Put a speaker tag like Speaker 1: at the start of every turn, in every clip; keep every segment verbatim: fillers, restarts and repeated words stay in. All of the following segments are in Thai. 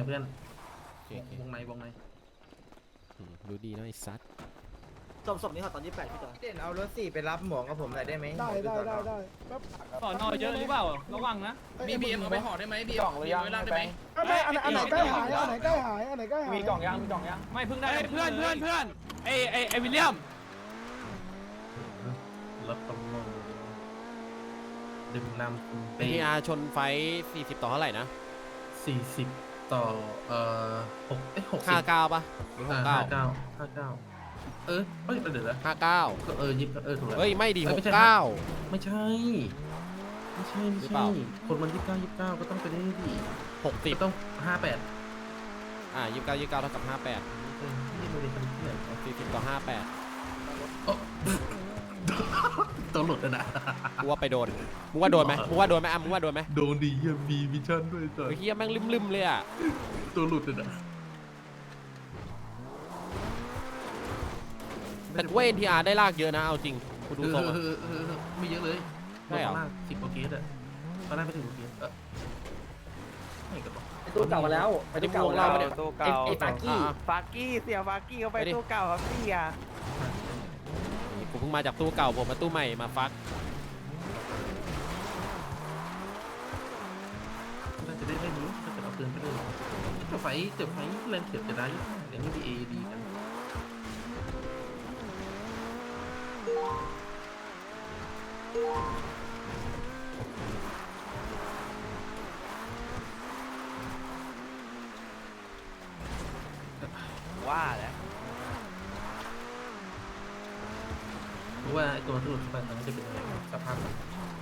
Speaker 1: เพื่อน
Speaker 2: โอเคว
Speaker 1: งในวงใน
Speaker 2: ดูดีนะไอ้ซัด
Speaker 3: ศพศพนี้เขาตอนยี่สิบแปดพี่จอย
Speaker 4: เด่นเอารถสี่ไปรับหมวกกับผมหน่อยได้ไหม
Speaker 5: ได้ได้ได้ได้แป๊บ
Speaker 6: สอนอเยอะหรือเปล่าระวังนะ
Speaker 5: มีบีเอ็มเอาไปห่อได้ไหมบีเอ็มมีไว้ล่างได้ไหม
Speaker 6: ไม่อั
Speaker 5: อั
Speaker 6: น
Speaker 5: น
Speaker 6: ไห
Speaker 5: ไห
Speaker 6: น
Speaker 5: น
Speaker 6: อั
Speaker 5: อั
Speaker 6: น
Speaker 5: น
Speaker 6: ไห
Speaker 5: ไห
Speaker 6: น
Speaker 5: น
Speaker 6: ใก
Speaker 5: ใก
Speaker 6: ล้
Speaker 5: ล้
Speaker 6: หา
Speaker 5: หาย ยอันไหนใกล้หายอันไหนใกล้หาย
Speaker 6: มีกล่องยังมีกล่องยังไม่เพิ่งได้เพื่อนเพื่อนเพื่อนไอไอไอวิลเลียม
Speaker 1: รถตำรวจดื่มนำ
Speaker 2: เอ็นทีอาร์ชนไฟสี่สิบต่อเท่าไหร่นะ
Speaker 1: สี่สิบต่อเอ่อหกเอ้ยหกสิบ
Speaker 2: ห้าเก้าป่ะหรือหกเก้า
Speaker 1: ห้าเก้าห้าเก้าเออเอ้ยเดี๋ยวนะ
Speaker 2: ห้าเก้า
Speaker 1: ก็เออยิบเออถูกแล้ว
Speaker 2: เฮ้ยไม่ดี
Speaker 1: เอ้
Speaker 2: ห
Speaker 1: ยไม่
Speaker 2: ก
Speaker 1: ใช่
Speaker 2: เก้า
Speaker 1: ไม่ใช่ ไม่ใช่ไม่
Speaker 2: หรือ
Speaker 1: ใช่
Speaker 2: เปล่า
Speaker 1: คนมันยี่สิบเก้ายี่สิบเก้าก็ต้องไปได้ดิ
Speaker 2: หกสิบ
Speaker 1: ก็ต้องห้าแปด
Speaker 2: อ่ายี่สิบเก้ายี่สิบเก้าเท่ากับห้าแปด
Speaker 1: เออนี่มันเป็นคนที่ไหนวะ
Speaker 2: สี่สิบต่อห้าแปด
Speaker 1: โอ้ตัวหลุดอะนะ
Speaker 2: กูว่าไปโดนมึงว่าโดนไหมมึงว่าโดนไหมอ่ะมึงว่าโดนไหม
Speaker 1: โดนดียังมีวิชั่นด้วยจ้ะ
Speaker 2: ไอ้เหี้ยแม่งลืมๆเลยอ่ะ
Speaker 1: ตัวหลุดอะนะ
Speaker 2: แต่กูว่า เอ็น ที อาร์ ได้ลากเยอะนะเอาจริงกูดู
Speaker 1: เออ
Speaker 2: ทรงอะ
Speaker 1: เออเออเออไม่เยอะเลย
Speaker 2: ใช่เหรอ
Speaker 1: ตอนแรกสิบกว่าเกตอะตอนแรกไม่ถึงกว่าเกตเออไม่กระบอก
Speaker 3: ไอตู้เก่ามาแล้วไอตู้เก่ามาแล้ว
Speaker 4: ตู้เก่า
Speaker 3: ไอฟากี้
Speaker 2: อ่ะ
Speaker 4: ฟากี้เสียฟากี้เขาไปตู้เก่าครับพี่อ่ะ
Speaker 2: กูเพิ่งมาจากตู้เก่าผมมาตู้ใหม่มาฟัก
Speaker 1: น่าจะได้เล่นอยู่ถ้าเกิดเอาปืนไปด้วยจะไฟจะไฟแรงเขียบจะได้เดี๋ยวนี้ดีเอดีกัน
Speaker 4: ว่าแล้ว
Speaker 1: รู้ว่าไอ้ตัวที่หลุดไปมันจะเป็นยังไงสภาพมัน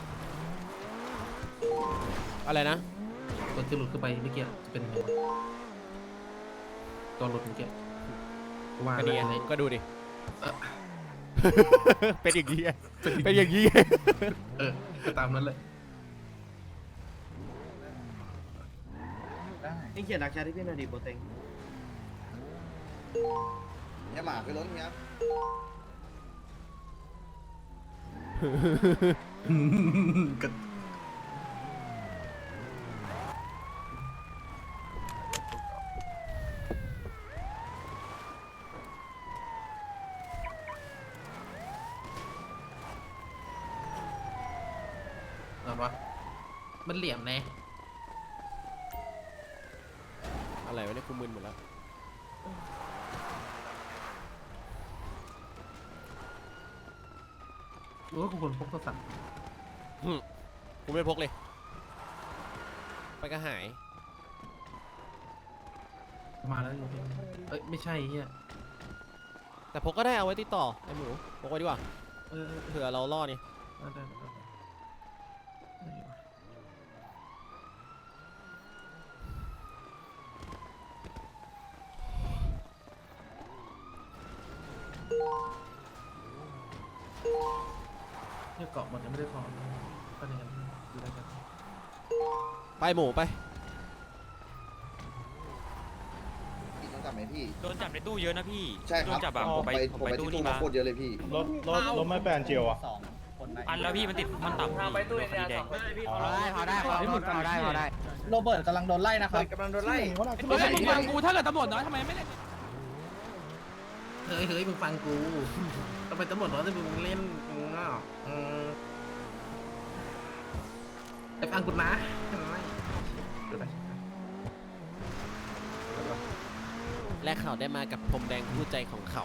Speaker 2: อะไรนะ
Speaker 1: ตัวที่หลุดขึ้นไปเมื่อกี้จะเป็นยังไงวะตัวหลุดเมื่อกี้ว่า
Speaker 2: ก็ดี
Speaker 1: อะไร
Speaker 2: ก็ดูดิ
Speaker 1: เออ
Speaker 2: เป็นอย่างนี้ไงเป็นอย่างนี้ไง
Speaker 1: เออก็ตามนั้นเลย
Speaker 3: นี่เขียนดักแชทที่พี่นาดีโปรเต็ง
Speaker 7: เนี่ยหมาคือรถเนี้ย
Speaker 1: ก็อะไรวะมันเหลี่ยมแน่
Speaker 2: อะไรวะเนี่ยกูมึนหมดแล้ว
Speaker 1: รู้ว่าคนพกโทรศัพท์
Speaker 2: กูไม่พกเลย ไปก็หาย
Speaker 1: มาแล้วอยู่เอ้ยไม่ใช่เฮีย
Speaker 2: แต่พกก็ได้เอาไว้ติดต่อไอ้หมูพกไว้ดีกว่า
Speaker 1: เออ
Speaker 2: เผื่อเราล่อนี่
Speaker 1: ได้ได้ได้ได้เนี่ยเกาะหมดยังไม่ได้ถอนก็อย่างนั้นดูได้กัน
Speaker 2: ไปหมูไป
Speaker 7: พี่ต้องจับไหมพี่
Speaker 8: โดนจับในตู้เยอะนะพี่
Speaker 7: ใช่ค
Speaker 8: โด
Speaker 7: รับ
Speaker 8: นจับแบบ
Speaker 7: ผ
Speaker 8: ผม ม
Speaker 7: ไป
Speaker 8: ไป
Speaker 7: ผ
Speaker 8: ผม ม
Speaker 7: ไป
Speaker 8: ไป
Speaker 7: ที่
Speaker 8: ตู้
Speaker 7: ตู้
Speaker 8: นี้
Speaker 7: มา
Speaker 8: มา
Speaker 7: โคตรเยอะเลยพี่
Speaker 5: รถรถรถไม่แปลนเจียวอ่ะ
Speaker 8: อันแล้วพี่มันติดมันต่ำพี่
Speaker 3: ไปตู้
Speaker 8: โด
Speaker 3: เอ็
Speaker 8: น
Speaker 3: น
Speaker 8: คดี
Speaker 3: อาร์
Speaker 8: แด
Speaker 3: สอง งพี่
Speaker 4: พอได้พอได้พอได้พอได้พอได้
Speaker 3: โรเบิร์ตกำลังโดนไล่นะครับ
Speaker 4: กำลังโดนไล่
Speaker 5: เขาหนักขึ้น
Speaker 6: เฮ้ย
Speaker 5: ไป
Speaker 6: มึงฟังกูถ้าเกิดตำรวจน้อยทำไมไม่เล่น
Speaker 1: เฮ้ยเฮ้ยมึงฟังกูต้องไปตำรวจเหรอที่มึงเล่นมึงอ่ะอืมไปฟังกูนะไม่ดูไป
Speaker 2: และเขาได้มากับพรมแดงคู่ใจของเขา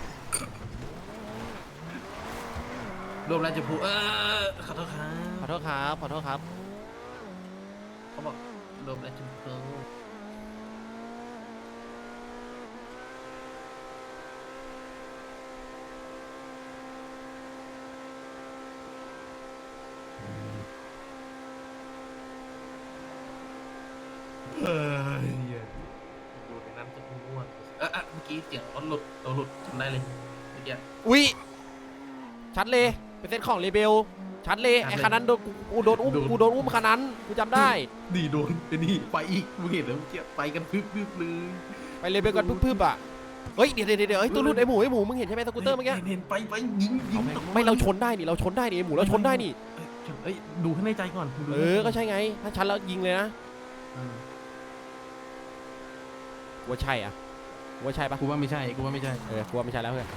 Speaker 1: รวมแล้วจะพูดเออขอโทษครับ
Speaker 2: ขอโทษครับขอโทษครับ
Speaker 1: เขาบอกรวมแล้วจะพูดเฮ้ยดูในนั้นจะง่วงเออเมื่อกี้เสียงรถหลุดตัวหลุดจำได้เลยเมื่อกี้
Speaker 2: อุ๊ยชัดเลยเป็นเส้นของเรเบลชัดเลย
Speaker 1: ชัดเลย
Speaker 2: ไอ้คันนั้นโดนกูกูโดนอุ้ม
Speaker 1: โดน
Speaker 2: กูโดนอุ้มคันนั้นกูจำได้
Speaker 1: ดีโดนไอ้นี่ไปอีกมึงเห็นแล้วเมื่อกี้ไปกันพึบพึบเลย
Speaker 2: ไปเรเบลกันพึบๆอ่ะเฮ้ยเดี๋ยวเดี๋ยวเดี๋ยวเฮ้ยตัวรุ่นไอ้หมูไอ้หมูมึงเห็นใช่ไหมสกูตเตอร์เมื่อกี้
Speaker 1: เห็นเห็นไปไปยิงยิง
Speaker 2: ไม่เราชนได้นี่เราชนได้นี่ไอ้หมูเราชนได้นี่
Speaker 1: เอ้ยเอ้ยดูให้ในใจก่อนดู
Speaker 2: เออก็ใช่ไงถ้าชันแล้วยิงเลยนะ
Speaker 1: เออ
Speaker 2: กูว่าใช่อ่ะกูว่าใช่ปะ
Speaker 1: กูว่าไม่ใช่กูว่าไม่ใช่
Speaker 2: เออกูว่าไม่ใช่แล้วเพื่อน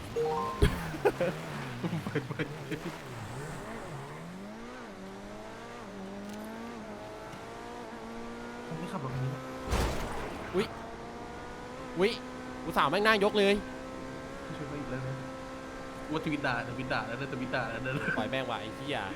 Speaker 1: ผมไม่ขับรถคันนี้
Speaker 2: วิกูสาวแม่งหน้ายกเลย
Speaker 1: ไม่ช่วยไปอีกแล้วนะกูว่าทวิตด่าทวิตด่าแล้วทวิตด่าแล้วเดิน
Speaker 2: ปล่อยแม่งว่ะไอ้เหี้ย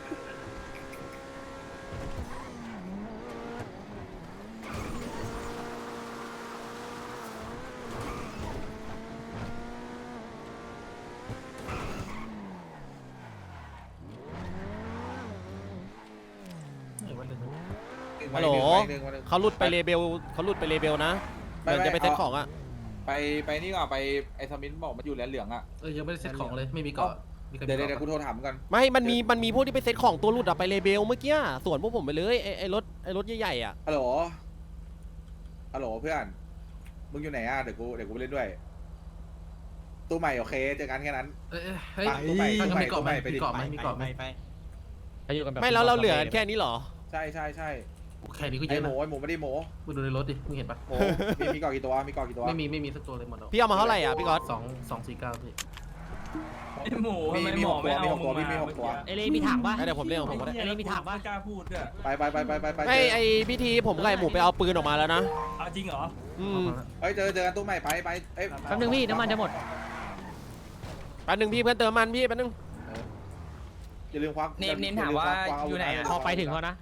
Speaker 2: ฮัลโหลเขาหลุดไปเลเบลเขาหลุดไปเลเบลนะเดี๋ยวจะไปเซ็ตของอ่ะ
Speaker 9: ไปไปนี่ก่อนไปไอ้สมินบอกมันอยู่แลนเหลืองอ่ะ
Speaker 1: เออยังไม่ได้เซ็ตของเลยไม่มีเกาะมีใครมี
Speaker 9: เดี๋ยว
Speaker 1: กาะ
Speaker 9: เดี๋ยวกูโทรถามกัน
Speaker 2: ไม่ มันมี มันมีพวกที่ไปเซ็ตของตัวหลุดอะไปเลเบลเมื่อกี้ส่วนพวกผมไปเลยไอ้ไอ้รถไอ้รถใหญ่ๆอะ
Speaker 9: ฮัลโหลฮัลโหลเพื่อนมึงอยู่ไหนอ่ะเดี๋ยวกูเดี๋ยวกูไปเล่นด้วยตู้ใหม่โอเคเจอกันแค่นั้น
Speaker 1: เอ้ยเฮ้ย
Speaker 9: ไปตู้ใหม่
Speaker 1: ถ้า
Speaker 9: ตู้
Speaker 1: ก็
Speaker 9: ใหม่
Speaker 1: มีเกาะไหม
Speaker 9: ตู้ใหม่ไปดิ
Speaker 1: มีเกาะไหมมีเกาะไหม
Speaker 2: ไม่แล้วเราเหลือแค่นี้เหรอ
Speaker 9: ใช่ใช่ใช่
Speaker 1: แค่นี้ก็เย
Speaker 9: ไอ้
Speaker 1: อะ
Speaker 9: ห
Speaker 1: นะ
Speaker 9: มูไอ้หมูไม่ได้หมู
Speaker 1: มึงดูในรถดิมึงเห็นปะ
Speaker 9: หมูมีมีกรอกกี่ตัวมีกรอกกี่ตัว
Speaker 1: ไม่มีไม่มีสักตัวเลยหมด
Speaker 2: พี่เอามาเท่าไหร่อ่ะพี่ก๊อต
Speaker 1: สองสองสี่เก้าพี่
Speaker 5: ไอหมู
Speaker 9: มี
Speaker 5: ทำไม
Speaker 9: มี
Speaker 5: หม
Speaker 9: ห
Speaker 5: อก
Speaker 9: ตัว
Speaker 5: ไม่เอา
Speaker 9: มีหกตัว
Speaker 5: มึ
Speaker 9: มี
Speaker 5: ง
Speaker 9: มี
Speaker 5: มา
Speaker 9: หกตัว
Speaker 6: เอเล่มีถังปะ
Speaker 2: เดี๋ยวผมเรียกของผมก็ได้
Speaker 6: เอเล่มีถังปะ
Speaker 5: ไม่กล้าพูดด้วย
Speaker 9: ไปไปไปไปไปไป
Speaker 2: ไม่ไอ้พิธีผมไล่หมูไปเอาปืนออกมาแล้วนะ
Speaker 5: เอาจริงเหรอ
Speaker 2: อืม
Speaker 9: เฮ้ยเจอเจอกันตู้ใหม่ไปไปเอ้ย
Speaker 6: แป๊บนึงพี่น้ำมันจะหมด
Speaker 2: แป๊บนึงพี่เพื่อนเติมมันพี่แป๊บนึง
Speaker 9: อย่าลืมควัก
Speaker 4: เนมเนมถามว่าอยู่ไหนอะ
Speaker 6: พอไปถึงเขานะ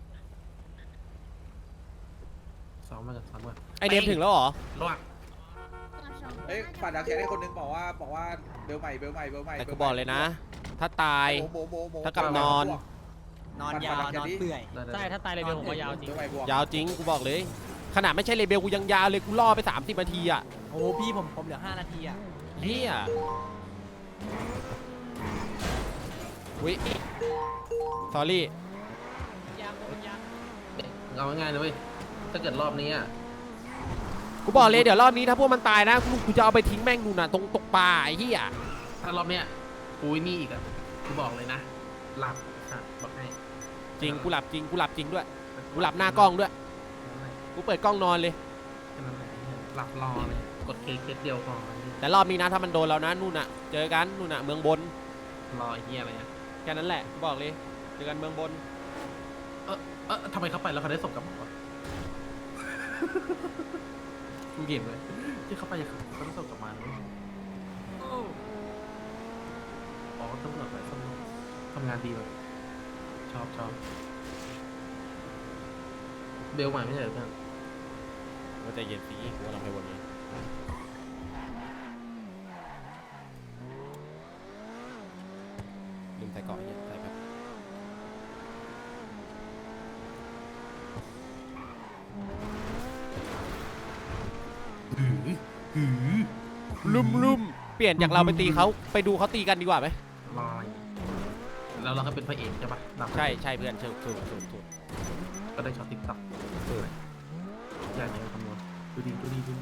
Speaker 1: สองมากันสามมา
Speaker 2: ไอเดมถึงแล้วเหรอ
Speaker 1: ระหว่าง
Speaker 9: เอ้ยฝากดักแชร์ให้คนนึงบอกว่าบอกว่าเบลใหม่เบลใหม่เบลใหม่
Speaker 2: แต่กูบอกเลยนะ ถ้าตาย
Speaker 9: หมูหมูหมูหมู
Speaker 2: ถ้ากลับนอน
Speaker 4: นอนยาวนอนเปื่อย
Speaker 6: ใช่ถ้าตายเลยเบลผมว่ายาวจริง
Speaker 9: เบลใหม่บวก
Speaker 2: ยาวจริงกูบอกเลย ขนาดไม่ใช่เลเบลกูยังยาวเลยกูล่อไปสามสิบนาทีอ่ะ
Speaker 4: โอ้พี่ผมผมเหลือห้านาทีอ่ะ
Speaker 2: เฮียวิสอรี่
Speaker 1: เอาง่ายๆนะเว้ยถ้าเกิดรอบนี้อ่ะ
Speaker 2: กูบอกเลยเดี๋ยวรอบนี้ถ้าพวกมันตายนะกูกูจะเอาไปทิ้งแม่งนู่นน่ะตรงตกปลาไอ้เหี้ย
Speaker 1: ถ้ารอบเนี้ยกูไอ้นี่อีกอ่ะกูบอกเลยนะหลับค่ะบอกให้
Speaker 2: จริงกูหลับจริงกูหลับจริงด้วยกูหลับหน้ากล้องด้วยกูเปิดกล้องนอนเลย
Speaker 1: แค่นั้นแหละหลับรอเลยกดเคสเคสเดียวพอ
Speaker 2: แต่รอบนี้นะถ้ามันโดนเรานะนู่นน่ะเจอกันนู่นน่ะเมืองบน
Speaker 1: รอไอ้เหี้ยอะไรอ่ะ
Speaker 2: แค่นั้นแหละกูบอกเลยเจอกันเมืองบน
Speaker 1: เออเออทำไมเขาไปแล้วเขาได้ศพกลับมาวะ มึงเห็นไหมที่เขาไปเขาได้ศพกลับมาเลยอ๋อตำรวจไปตำรวจทำงานดีแบบชอบชอบเบลใหม่ไม่ใช่เหรอเพื่อน
Speaker 2: ว่าใจเย็นสิกูว่าเราไปวนนี้ลืมใส่เกาะเนี่ยใส่แบบลุ่มลุ่มเปลี่ยนจากเราไปตีเขาไปดูเขาตีกันดีกว่าไหม
Speaker 1: รออะไรแล้วเราก็เป็นพระเอกใช่ปะดับ
Speaker 2: ใช่ใช่เพื่อนถูกถูกถูกถูก
Speaker 1: ก็ได้ช็อตติ๊กต็อกยากไหนคำนวณดูดีดูดีดูดี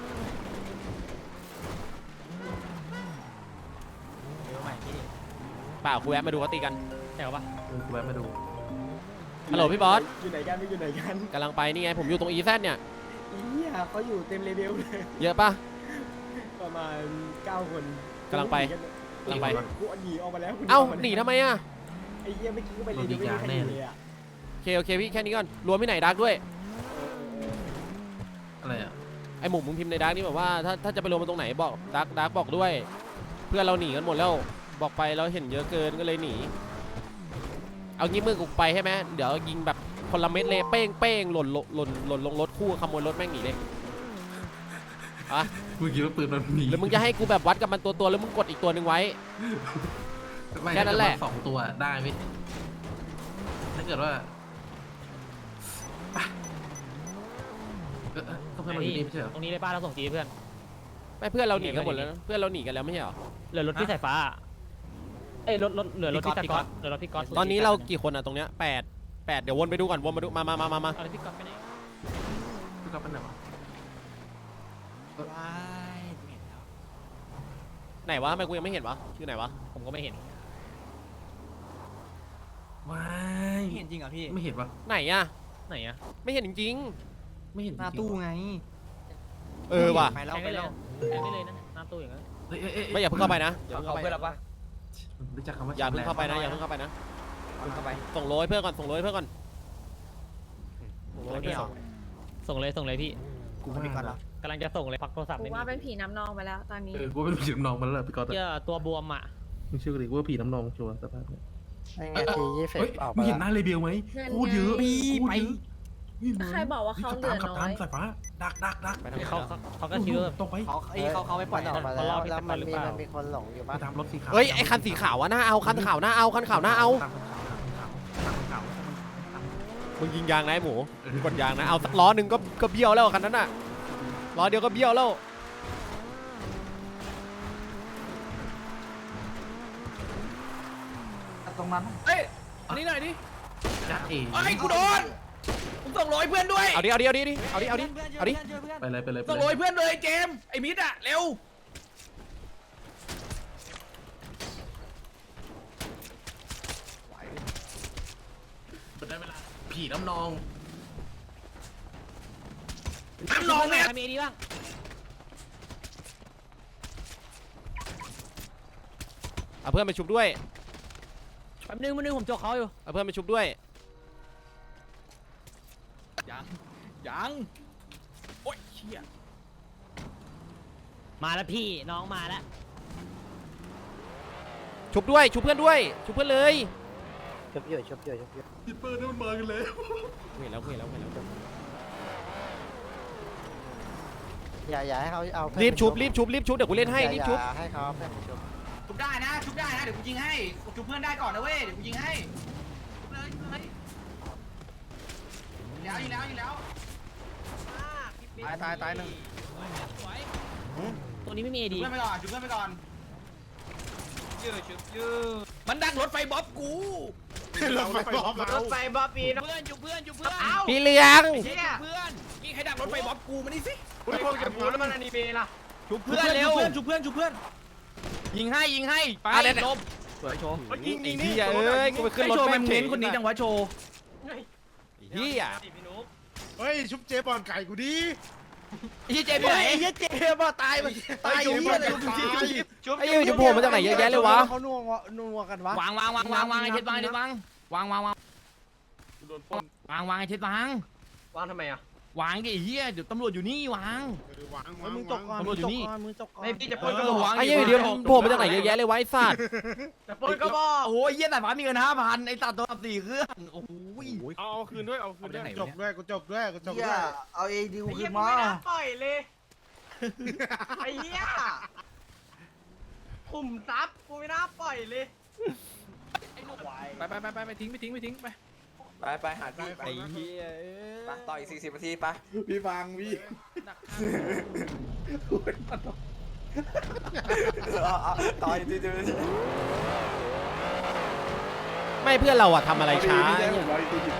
Speaker 4: เบลใหม่พี่
Speaker 2: เปล่ากูแวะมาดูเขาตีกัน
Speaker 6: แต่ว่า
Speaker 1: เออกูแวะมาดู
Speaker 2: ฮัลโหลพี่บอส
Speaker 3: อยู่ไหนกันไม่อยู่ไหนกัน
Speaker 2: กำลังไปนี่ไงผมอยู่ตรงอีแซดเนี่ย
Speaker 3: อีเนี่ยเขาอยู่เต็มเลเวลเลย
Speaker 2: เยอะปะ
Speaker 3: ประมาณเก้าคน
Speaker 2: กำลังไปกำลังไป
Speaker 3: กูหนีออกมาแล้วกู
Speaker 2: เอ้า
Speaker 3: ออกมแล้ว
Speaker 2: หนีทำไมอ่ะ
Speaker 3: ไอ้เหี้ยเมื่อกี้ก็ไปเลเวลไม่มีใครอยู่เลยอ่ะ
Speaker 2: โอเคโอเคพี่แค่นี้ก่อนรวมที่ไหนดักด้วย
Speaker 1: อะไรอ่ะ
Speaker 2: ไอหมูมึงพิมพ์ในดักนี่แบบว่าถ้าถ้าจะไปรวมมันตรงไหนบอกดักดักบอกด้วย เพื่อนเราหนีกันหมดแล้วบอกไปเราเห็นเยอะเกินก็เลยหนีเอางี้มือกูไปใช่ไหมเดี๋ยวยิงแบบคนละเม็ดเลยเป้งเป้งหล่นหล่นหล่นหล่นลงรถคู่ขโมยรถแม่งหนีเลยอ่ะ
Speaker 1: มึงคิดว่าปืนมันหนี
Speaker 2: หรือมึงจะให้กูแบบวัดกับมันตัวตัวๆแล้วมึงกดอีกตัวหนึ่งไว้
Speaker 1: ไม่
Speaker 2: แค่นั้นแหละ
Speaker 1: ถ้าเกิดว่าสองตัวได้ไหมถ้าเกิดว่าเออเออก็เพื่อนเราอยู่นี่ไม่ใช่เหรอ
Speaker 6: ตรงนี้เลยป้าเราส่งจีเพื่อน
Speaker 2: ไม่เพื่อนเราหนีกันหมดแล้วนะเพื่อนเราหนีกันแล้วไม่ใช่เหรอ
Speaker 6: เหลือรถพี่สายฟ้าเอ้ยรถรถเหลือรถพี่สก๊อตเหลือรถพี่ก๊อต
Speaker 2: ตอนนี้เรากี่คนอะตรงเนี้ยแปดแปดเดี๋ยววนไปดูก่อนวนมาดูมามามามามา
Speaker 6: เอารถพี่ก๊อตไปไหน
Speaker 1: พี่ก๊อฟเป็นไหนวะ
Speaker 4: ว้ายเห็นแล้ว
Speaker 2: ไหนวะทำไมกูยังไม่เห็นวะอยู่ไหนวะ
Speaker 6: ผมก็ไม่เห็น
Speaker 1: ว้าย
Speaker 4: เห็นจริงเหรอพี่
Speaker 1: ไม่เห็นวะ
Speaker 2: ไหนอะ
Speaker 6: ไหนอะ
Speaker 2: ไม่เห็นจริง
Speaker 1: ไม่เห็นจ
Speaker 4: หน้า
Speaker 1: ริงๆ
Speaker 4: ตู้
Speaker 1: วะ
Speaker 4: ไง
Speaker 2: เออว่ะ
Speaker 4: ไป
Speaker 6: แท
Speaker 4: แล้ว
Speaker 6: ง
Speaker 4: ไป
Speaker 6: ได้เล
Speaker 4: แล้
Speaker 6: ยว แทงได้เลยนะหน้าตู้อย่างนั้น
Speaker 1: เฮ้ยเอ้ยเอ้ย
Speaker 2: ไม่อย่าเพิ่งเข้าไปนะอย่าเพิ่ง
Speaker 4: เขา
Speaker 2: เข้าไป
Speaker 4: เพื่อนเราปะ
Speaker 1: รู้จักคำว่า
Speaker 2: อย่าเพิ่งเข้าไปนะอย่าเพิ่งเข้าไปนะ
Speaker 4: เข้าไป
Speaker 2: ส่งโรยเพื่อนก่อนส่งโรยเพื่อนก่อนส่งโรยเพื่อนก่อน
Speaker 6: ส่งเลยส่งเลยพี่
Speaker 1: กูว่า
Speaker 4: พี่ก่อนเหรอก
Speaker 6: ำลังจะส่งเลยพักโทรศัพท์
Speaker 10: กู
Speaker 6: ไม่มี
Speaker 10: ว่าเป็นผีน้ำนองไปแล้วตอนนี้
Speaker 1: เออกูเป็นผีน้ำนองมาแล้วเหรอพี่ก๊อต
Speaker 6: เจ้าตัวบวมอ่ะ
Speaker 1: มึงเชื่อกูดิกูว่าผีน้ำนองชัวร์สภาพเนี่ย
Speaker 3: ไงทียี่สิบ
Speaker 1: เฮ้ย
Speaker 3: ออก
Speaker 1: มึ
Speaker 3: มาง
Speaker 1: เห็นหน้าเลเบลไหม
Speaker 10: เงิน
Speaker 1: โคตรเยอะ
Speaker 10: ไง
Speaker 1: โคตรเยอะ
Speaker 10: ใครบอกว่าเขาเหลือ
Speaker 1: ขับ
Speaker 10: น้
Speaker 1: ตา
Speaker 10: อ
Speaker 1: ม
Speaker 10: ย
Speaker 1: สายฟ้าดักดักดัก
Speaker 6: เขาเขาเขาก็คิดว่า
Speaker 1: ตรงไป
Speaker 4: เขาเอ้ยเขาเขาไม่ปล่อย
Speaker 3: ออกมา
Speaker 6: เขา
Speaker 3: แล้
Speaker 6: รอ
Speaker 3: ว
Speaker 6: พี่
Speaker 3: แล้ว
Speaker 6: ส
Speaker 3: มั
Speaker 6: ปาน หรือ
Speaker 3: มี
Speaker 6: เปล่า
Speaker 3: มันมีคนหลงอยู่ปะ
Speaker 1: ตามรถสีขาว
Speaker 2: เฮ้ยไอคันสีขาวอะน่าเอาคันขาวน่าเอาคันขาวน่าเอา
Speaker 1: ตามคันขาวตามคันขาว
Speaker 2: มึงยิงยางนะไอ้หมูมึงกดยางนะเอาสักล้อหนึ่งก็ก็เบี้ยวแล้วคันนั้นน่ะล้อเดียวก็เบี้ยวแล้ว
Speaker 7: ตรงนั้น
Speaker 9: เอ้ยอันนี้หน่อยดิ
Speaker 1: จัดเอง
Speaker 9: ไอ้ยกูโดนผมส่งโรยเพื่อนด้วย
Speaker 2: เอาดิเอาดิเอาดิเอาดิเอาดิเอาดิ
Speaker 1: ไปเลยไปเลยไป
Speaker 9: ส่ง
Speaker 1: เล
Speaker 9: โรย
Speaker 1: ย
Speaker 9: เพื่อนเลยเจมส์ไอ้มิดอะเร็ว
Speaker 1: ได้เวลาผีน้ำนอง
Speaker 9: น้ำนองเนี่ย
Speaker 6: มีดีบ้าง
Speaker 2: เอาเพื่อนไปชุบด้วย
Speaker 6: แป๊บนึงแป๊บนึงผมจกเขาอยู่
Speaker 2: เอาเพื่อนไปชุบด้วย
Speaker 9: ยังยังโอ๊ยเชี่ย
Speaker 6: มาแล้วพี่น้องมาแล้ว
Speaker 2: ชุบด้วยชุบเพื่อนด้วยชุบเพื่อนเลย
Speaker 3: ชุบอยู่ชุบอยู่ชุบอยู่
Speaker 1: ฮิปเปอร์นี่มันมากันแล้ว
Speaker 2: เห็นแล้วเห็นแล้วเห็นแล้ว
Speaker 3: อย่าอย่าให้เขาเอาเพื่อน
Speaker 2: รีบชุบรีบชุบรีบชุบเดี๋ยวกูเล่นให้รีบชุบ
Speaker 3: อย่าให้เขาเอาเพื่อนชุบ
Speaker 9: ชุบได้นะชุบได้นะเดี๋ยวกูยิงให้ชุบเพื่อนได้ก่อนนะเว้ยเดี๋ยวกูยิงให้ชุบเลยชุบเลยยิงแล้วยิงแล้วยิงแล้ว
Speaker 3: ตายตายตายหนึ่ง
Speaker 6: ตัวนี้ไม่มีเอ
Speaker 9: ชุบ
Speaker 6: ดี
Speaker 9: เพื่อนไปก่อนชุบเพื่อนไปก่อนยืดชุบยืดมันดักรถไฟบ๊อบกูรถไฟบ๊อบ
Speaker 3: รถไฟบ๊อบบี้นะ
Speaker 9: เพื่อนชุบเพื่อนชุบเพื่อน
Speaker 2: พี่เลี้ยง
Speaker 9: เชี่ยเพื่อนนี่ใครดักรถไฟบ๊อบกูมานี่สิ
Speaker 3: พวกเก็บหัวแล้วมันอนิเมะล่ะ
Speaker 9: ชุบเพื่อนเร็วชุบเพื่อนชุบเพื่อนยิงให้ยิงให้ไปลบสวยโชว์
Speaker 2: ยิงนี่เอ้ยกูไปขึ้นรถ
Speaker 9: โชว์
Speaker 2: แม่
Speaker 9: แม
Speaker 2: ง
Speaker 9: นเน้นคนนี้จังวะโชว์
Speaker 2: เฮีย
Speaker 3: เฮ้ยชุบเจ๊บอลไก่กูดิ
Speaker 9: ยี่เจไปไหน
Speaker 3: ไอ้เหี้ยเจ๊บอลตายมันตายอยู่ที่อะไรชุบชุบชุบ
Speaker 2: ไอ้ยูจะโผล่มาจากไหนเยอะแยะเลยวะ
Speaker 3: เขานัวนัวกันวะ
Speaker 9: วางวางวางวางวางไอ้เช็ดวางไอ้เช็ดวางวางวางวางวางวางไอ้เช็ดวาง
Speaker 3: วางทำไมอ่ะ
Speaker 9: วางดิเฮียเดี๋ยวตำรวจอยู่นี่วาง
Speaker 3: มึงจกก่อน
Speaker 9: ตำรวจอยู่นี่
Speaker 3: มึงจกก่อน
Speaker 9: ไม่พี่จะปล้นก็วาง
Speaker 2: ไอ้ยูเดี๋ยวโผล่มาจากไหนเยอะแยะเลยวะไอ้สัตว์
Speaker 3: จะปล้นก็บอก
Speaker 9: โอ้โหเฮียแต่ฟ้ามีเงินห้าพันไอ้ตัดตัวสี่เครื่องโอ้โห
Speaker 3: เอาเอาคืนด้วยเอาคืนด้วย
Speaker 9: จบด้วย
Speaker 3: กูจบด้วยกูจบ
Speaker 7: เฮี
Speaker 3: ด้วย ย
Speaker 7: เอาเอดีกู
Speaker 3: ไอ้
Speaker 7: คื
Speaker 3: เหี้ย
Speaker 7: น
Speaker 3: มึง
Speaker 7: มา
Speaker 3: ไม่น่าปล่อยเลยไอ้เหี้ยขุมทรัพย์กูไม่น่าปล่อยเลย
Speaker 9: ไปไปไปไปไปทิ้งไปทิ้งไปทิ้งไป
Speaker 7: ไปไปหาที่ไป
Speaker 2: ไอ้เฮีย
Speaker 7: ไปต่ออีกสี่สิบนาทีไป
Speaker 9: พี่ฟังพี่
Speaker 7: ต่ออีกสี่สิบนาที
Speaker 2: ไม่เพื่อนเราอะทำอะไรช้า
Speaker 9: พี่ได้ผมร้อยสี่สิบ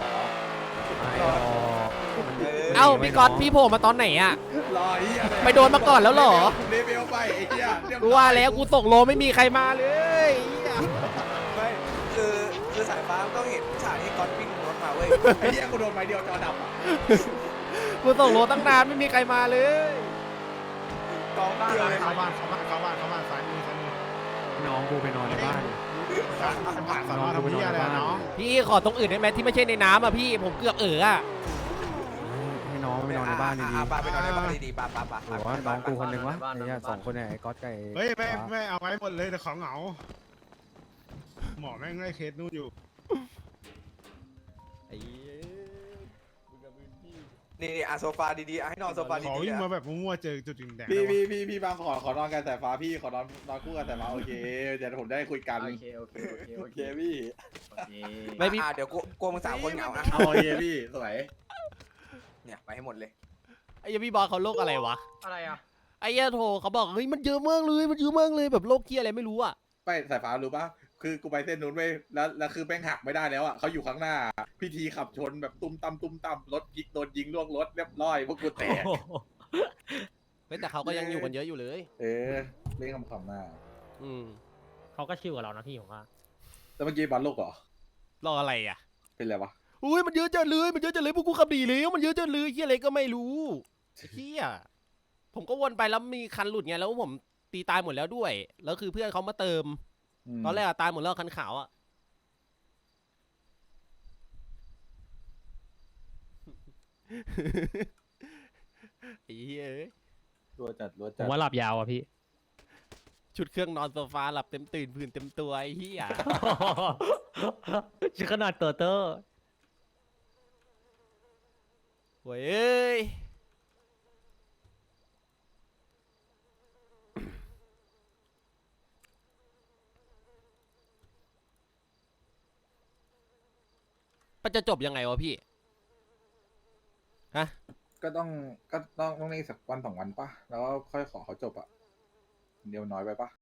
Speaker 2: เอ้าพี่ก๊อตพี่โผล่มาตอนไหนอะ
Speaker 9: รอเฮีย
Speaker 2: ไปโดนมาก่อนแล้วเหรอ
Speaker 9: เลเวลไปไอ้เฮีย
Speaker 2: กูว่าแล้วกูส่งโลไม่มีใครมาเลยเหี้ย
Speaker 7: ไม่คือคือสายฟ้าต้องเห็นฉากที่ก๊อตวิ่งรถมาเว้ย
Speaker 9: ไอ้เฮียกูโดนไม้เดียวจอดับอ่ะ
Speaker 2: กูส่งโลตั้งนานไม่มีใครมาเลย
Speaker 7: กองบ้านเลย
Speaker 3: เข้าบ้านเข้าบ้านเข้าบ้านเข้าบ้านซ้ายมือซ้ายมือ
Speaker 6: น้องกูไปนอนในบ้าน
Speaker 3: ผ่านสอนอทำที่อะไรน้อง
Speaker 2: พี่ขอตรงอื่นได้ไหมที่ไม่ใช่ในน้ำอะพี่ผมเกือบเอ๋ออะ
Speaker 6: ให้น้องไปนอนในบ้านดี
Speaker 7: อ่ะปาไปนอนในบ้านดีๆปาปาปา
Speaker 6: ๆว่าน้องกูคนหนึ่งวะไอ้เนี่ยสองคนเนี่ยไอ้ก๊อตไก่
Speaker 3: เฮ้ยไม่ไม่เอาไว้หมดเลยแต่ของเหงาหมอแม่งไล่เคสนู่นอยู่
Speaker 7: นี่นี่อ่ะโซฟาดีๆอ่ะให้นอนโซฟา
Speaker 3: ขอ
Speaker 7: ดี
Speaker 3: วิ่ง
Speaker 7: ๆ
Speaker 3: มา
Speaker 7: อ่ะ
Speaker 3: แบบมั่วๆเจอจุดแดงๆ
Speaker 9: พี่
Speaker 3: ได้
Speaker 9: พี่
Speaker 3: ปะ
Speaker 9: พี่พี่บางขอขอนอนกันสายฟ้าพี่ขอนอนนอนคู่กันสายฟ้าโอเคเดี๋ยวผมได้คุยกัน
Speaker 3: โอเคโอเคโอเค
Speaker 9: โอเคพี่
Speaker 2: ไม่พี่
Speaker 7: อ่ะเดี๋ยวกูกลัวมึงสามคนเหงาอ่ะ
Speaker 9: เอาโอเคพี่สวย
Speaker 7: เนี่ยไปให้หมดเลย
Speaker 2: ไอ้เหี้ยพี่บอลเขาโรคอะไรวะ
Speaker 3: อะไรอ่ะ
Speaker 2: ไอ้เหี้ยโทรเขาบอกเฮ้ยมันเยอะมากเลยมันเยอะมากเลยแบบโรคเกี้ยอะไรไม่รู้อะ
Speaker 9: ไปสายฟ้ารู้ปะคือกูไปเส้นนู้นไปแล้วแล้วคือแป้งหักไม่ได้แล้วอ่ะเขาอยู่ข้างหน้า พิธีขับชนแบบตุ้มตั้มตุ้มตั้มรถยิงโดนยิงล่วงรถเรียบร้อยพวกกูแตก
Speaker 2: เฮ้ยแต่เขาก็ยังอยู่กันเยอะอยู่เลย
Speaker 9: เออเล่นคำๆหน้า
Speaker 2: อืม
Speaker 6: เขาก็ชิวกับเรานะพี่ผมว่า
Speaker 9: แล้วเมื่อกี้บอลโลกเหรอ
Speaker 2: รออะไรอะ
Speaker 9: เป็นไรวะ
Speaker 2: อุ้ยมันเยอะจังเลยมันเยอะจังเลยพวกกูขับดีแล้วมันเยอะจังเลยเฮียอะไรก็ไม่รู้เฮียผมก็วนไปแล้วมีคันหลุดไงแล้วผมตีตายหมดแล้วด้วยแล้วคือเพื่อนเขามาเติม
Speaker 9: ม
Speaker 2: ตอนแรกอะตายหมดแล้วคันขาวอะไอ้เหี้ยเอ้ย
Speaker 9: รัวจัดรัว
Speaker 6: ผ
Speaker 9: จัด
Speaker 6: มว่าหลับยาวอ่ะพี่
Speaker 2: ชุดเครื่องนอนโซฟาหลับเต็มตื่นผื่นเต็มตัวไอ้เหี้ย
Speaker 6: ชื่อขนาดตัวเตอร์
Speaker 2: โว้ยเอ้ยมันจะจบยังไงวะพี่ ฮะ
Speaker 9: ก็ต้องก็ต้องต้องนี่สักวันสองวันปะแล้วก็ค่อยขอเขาจบอะเดียวน้อยไปปะ